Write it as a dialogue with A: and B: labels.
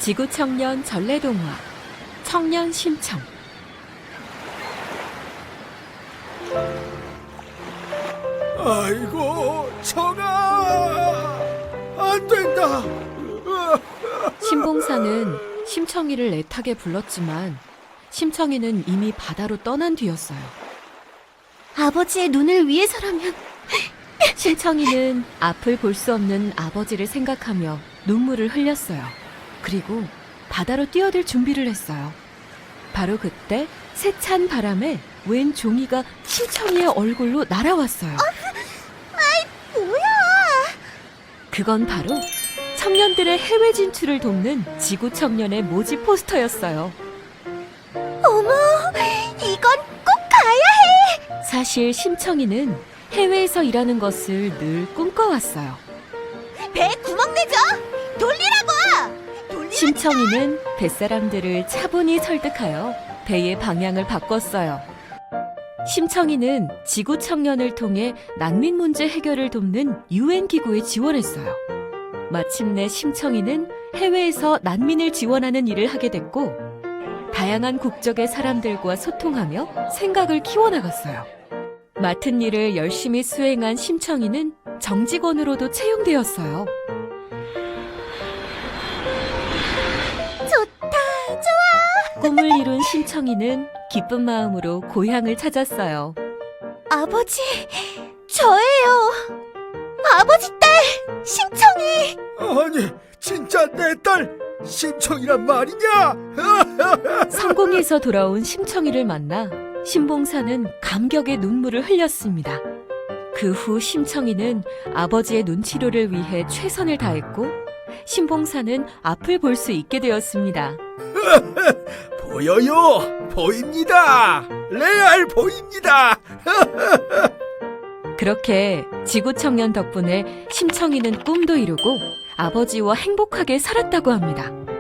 A: 지구청년 전래동화 청년 심청.
B: 아이고, 청아! 안 된다!
A: 신봉사는 심청이를 애타게 불렀지만 심청이는 이미 바다로 떠난 뒤였어요. 아버지의 눈을 위해서라면. 심청이는 앞을 볼 수 없는 아버지를 생각하며 눈물을 흘렸어요. 그리고 바다로 뛰어들 준비를 했어요. 바로 그때 세찬 바람에 웬 종이가 심청이의 얼굴로 날아왔어요.
C: 뭐야?
A: 그건 바로 청년들의 해외 진출을 돕는 지구 청년의 모집 포스터였어요.
C: 어머, 이건 꼭 가야 해!
A: 사실 심청이는 해외에서 일하는 것을 늘 꿈꿔왔어요.
C: 배 구멍 내줘! 돌리라고!
A: 심청이는 뱃사람들을 차분히 설득하여 배의 방향을 바꿨어요. 심청이는 지구 청년을 통해 난민 문제 해결을 돕는 UN 기구에 지원했어요. 마침내 심청이는 해외에서 난민을 지원하는 일을 하게 됐고, 다양한 국적의 사람들과 소통하며 생각을 키워나갔어요. 맡은 일을 열심히 수행한 심청이는 정직원으로도 채용되었어요.
C: 좋다, 좋아!
A: 꿈을 이룬 심청이는 기쁜 마음으로 고향을 찾았어요.
C: 아버지, 저예요. 아버지 딸, 심청이!
B: 아니, 진짜 내 딸 심청이란 말이냐?
A: 성공해서 돌아온 심청이를 만나 신봉사는 감격의 눈물을 흘렸습니다. 그 후 심청이는 아버지의 눈치료를 위해 최선을 다했고, 신봉사는 앞을 볼 수 있게 되었습니다.
B: 보여요! 보입니다! 레알 보입니다!
A: 그렇게 지구 청년 덕분에 심청이는 꿈도 이루고 아버지와 행복하게 살았다고 합니다.